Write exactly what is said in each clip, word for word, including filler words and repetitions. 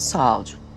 Sağ ol canım.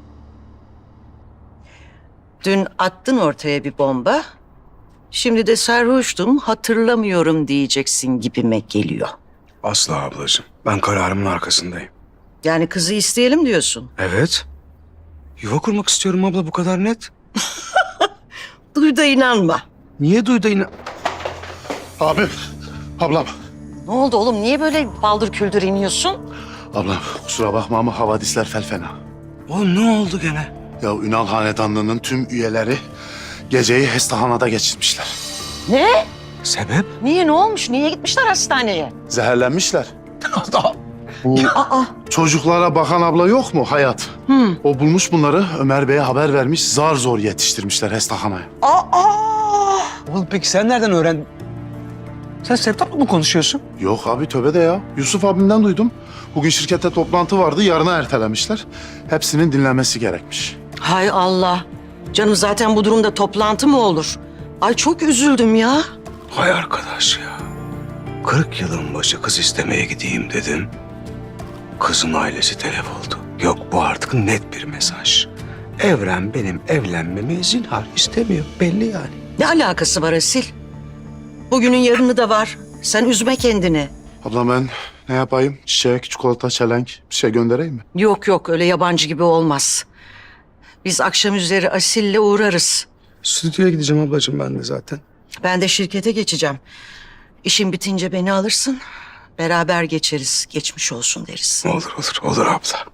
Dün attın ortaya bir bomba. Şimdi de sarhoştum, hatırlamıyorum diyeceksin gibime geliyor. Asla ablacığım. Ben kararımın arkasındayım. Yani kızı isteyelim diyorsun. Evet. Yuva kurmak istiyorum abla, bu kadar net. Duy da inanma. Niye duydu yine? Abim, ablam. Ne oldu oğlum? Niye böyle baldır küldür iniyorsun? Ablam kusura bakma ama havadisler fel fena. Oğlum ne oldu gene? Ya Ünal Hanedanlığı'nın tüm üyeleri geceyi Hestahana'da geçirmişler. Ne? Sebep? Niye? Ne olmuş? Niye gitmişler hastaneye? Zehirlenmişler. Bu Aa. çocuklara bakan abla yok mu Hayat? Hı. O bulmuş bunları, Ömer Bey'e haber vermiş, zar zor yetiştirmişler Hestahana'ya. Aa. Oğlum peki sen nereden öğrendin? Sen Sevtap'la mı konuşuyorsun? Yok abi tövbe de ya. Yusuf abimden duydum. Bugün şirkette toplantı vardı, yarına ertelemişler. Hepsinin dinlenmesi gerekmiş. Hay Allah. Canım zaten bu durumda toplantı mı olur? Ay çok üzüldüm ya. Hay arkadaş ya. Kırk yılın başı kız istemeye gideyim dedim. Kızın ailesi telef oldu. Yok, bu artık net bir mesaj. Evren benim evlenmemi zinhar istemiyor. Belli yani. Ne alakası var Asil? Bugünün yarını da var. Sen üzme kendini. Abla ben ne yapayım? Çiçek, çikolata, çelenk bir şey göndereyim mi? Yok yok öyle yabancı gibi olmaz. Biz akşam üzeri Asil'le uğrarız. Stüdyoya gideceğim ablacığım ben de zaten. Ben de şirkete geçeceğim. İşin bitince beni alırsın. Beraber geçeriz. Geçmiş olsun deriz. Olur olur olur abla.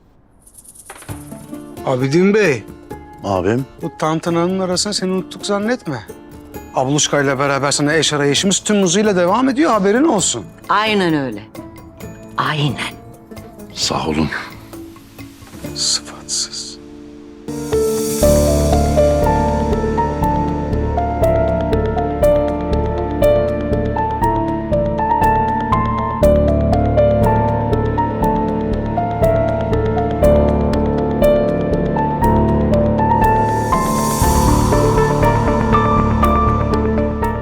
Abidin Bey, Abim. bu tantananın arasını seni unuttuk zannetme. Abluşkayla beraber sana eş arayışımız tüm hızıyla devam ediyor, haberin olsun. Aynen öyle. Aynen. Sağ olun. Sıfatsız.